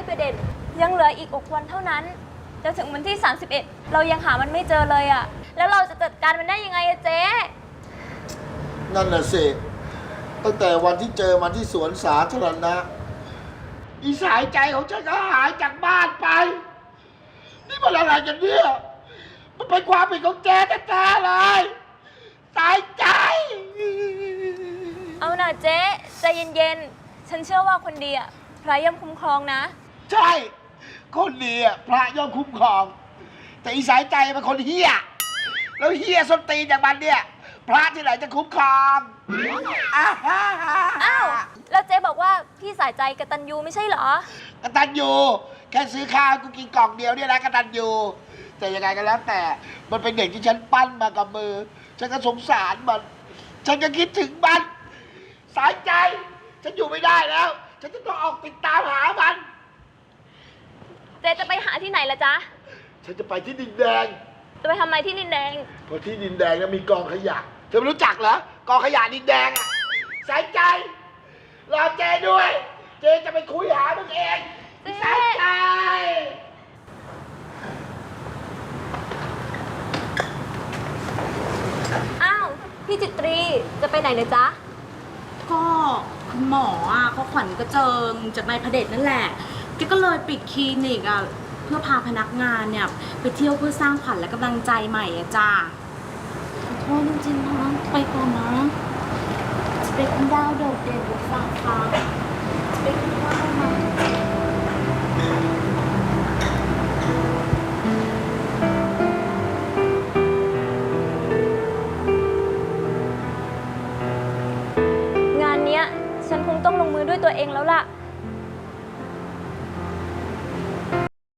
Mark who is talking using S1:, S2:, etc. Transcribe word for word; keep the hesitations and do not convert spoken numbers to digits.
S1: ประเด็นยังเหลืออีกหกวันเท่านั้นจะถึงวันที่สามสิบเอ็ดเรายังหามันไม่เจอเลยอะแล้วเราจะจัดการมันได้ยังไงอะเจ๊
S2: นั่นน่ะสิตั้งแต่วันที่เจอมันที่สวนสาธารณะอีสายใจของฉันก็หายจากบ้านไปนี่มันอะไรกันเนี่ยมันเป็นความผิดของเจ๊แท้ๆเลยสายใจ
S1: เอาน่ะเจ๊ใจเย็นๆฉันเชื่อว่าคนดีอะพระย่อมคุ้มครองนะ
S2: ใช่คนดีอ่ะพระย่อมคุ้มครองแต่อีสายใจเป็นคนเฮี้ยแล้วเฮี้ยส้นตีนอย่างมันเนี่ยพระที่ไหนจะคุ้มครองอ้าว
S1: อ้าวแล้วเจ๊บอกว่าพี่สายใจกตัญญูไม่ใช่เหรอก
S2: ตัญญูแค่ซื้อข้าวกูกินกล่องเดียวเนี่ยนะกตัญญูแต่ยังไงก็แล้วแต่มันเป็นเด็กที่ฉันปั้นมากับมือฉันก็สงสารมันฉันก็คิดถึงมันสายใจฉันอยู่ไม่ได้แล้วฉันจะต้องออกติดตามหามัน
S1: เจ๊จะไปหาที่ไหนล่ะจ๊ะ
S2: ฉันจะไปที่ดินแดง
S1: จะไปทำไมที่ดินแดง
S2: เพราะที่ดินแดงเนี่ยมีกองขยะเธอไม่รู้จักเหรอกองขยะดินแดงอ่ะสายใจรอเจด้วยเจจะไปคุยหามึงเองสายใจ
S1: อ้าวพี่จิตรีจะไปไหนเลยจ๊ะ
S3: ก็คุณหมออ่ะเขาขวัญกระเจิงจากนายพเดชนั่นแหละแกก็เลยปิดคลินิกอ่ะเพื่อพาพนักงานเนี่ยไปเที่ยวเพื่อสร้างขวัญและกำลังใจใหม่อ่ะจ้าขอโทษจริงๆนะไปก่อนนะจะเป็นดาวโดดเด่นบนฟ้าฟ้าจะเป็นดาวมา
S1: งานเนี้ยฉันคงต้องลงมือด้วยตัวเองแล้วล่ะ